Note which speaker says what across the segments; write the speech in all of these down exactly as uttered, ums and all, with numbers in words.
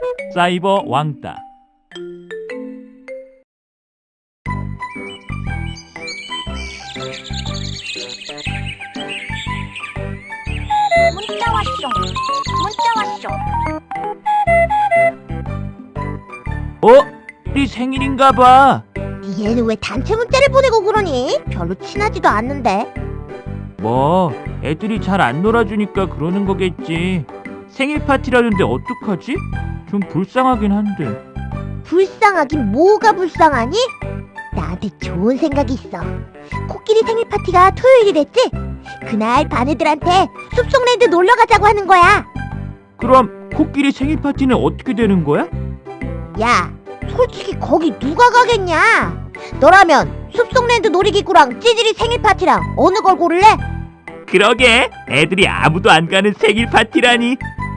Speaker 1: 사이버 왕따.
Speaker 2: 문자 왔쇼. 문자 왔쇼.
Speaker 1: 어? 네 생일인가 봐.
Speaker 2: 얘는 왜 단체 문자를 보내고 그러니? 별로 친하지도 않는데.
Speaker 1: 뭐 애들이 잘 안 놀아주니까 그러는 거겠지. 생일 파티라는데 어떡하지? 좀 불쌍하긴 한데.
Speaker 2: 불쌍하긴 뭐가 불쌍하니? 나한테 좋은 생각이 있어. 코끼리 생일 파티가 토요일이랬지? 그날 반 애들한테 숲속랜드 놀러 가자고 하는 거야.
Speaker 1: 그럼 코끼리 생일 파티는 어떻게 되는 거야?
Speaker 2: 야, 솔직히 거기 누가 가겠냐? 너라면 숲속랜드 놀이기구랑 찌질이 생일 파티랑 어느 걸 고를래?
Speaker 1: 그러게, 애들이 아무도 안 가는 생일 파티라니.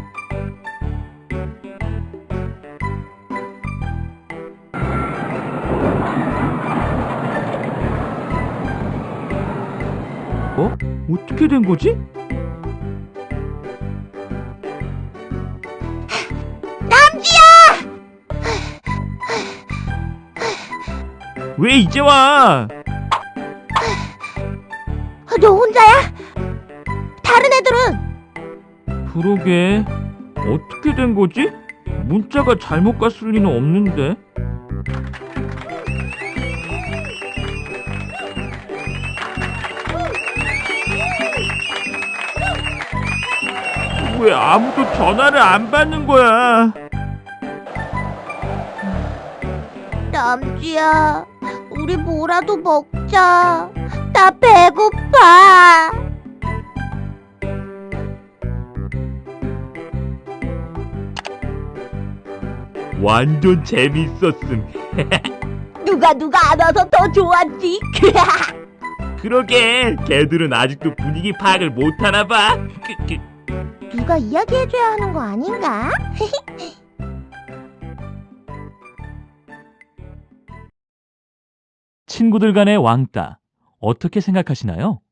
Speaker 1: 어? 어떻게 된 거지?
Speaker 2: 남주야!
Speaker 1: 왜 이제 와?
Speaker 2: 너 혼자야? 다른 애들은?
Speaker 1: 그러게, 어떻게 된 거지? 문자가 잘못 갔을 리는 없는데. 왜 아무도 전화를 안 받는 거야?
Speaker 2: 남주야, 우리 뭐라도 먹자. 나 배고파.
Speaker 1: 완전 재밌었음.
Speaker 2: 누가 누가 안 와서 더 좋았지?
Speaker 1: 그러게, 걔들은 아직도 분위기 파악을 못하나 봐. 그, 그.
Speaker 2: 누가 이야기해줘야 하는 거 아닌가?
Speaker 1: 친구들 간의 왕따, 어떻게 생각하시나요?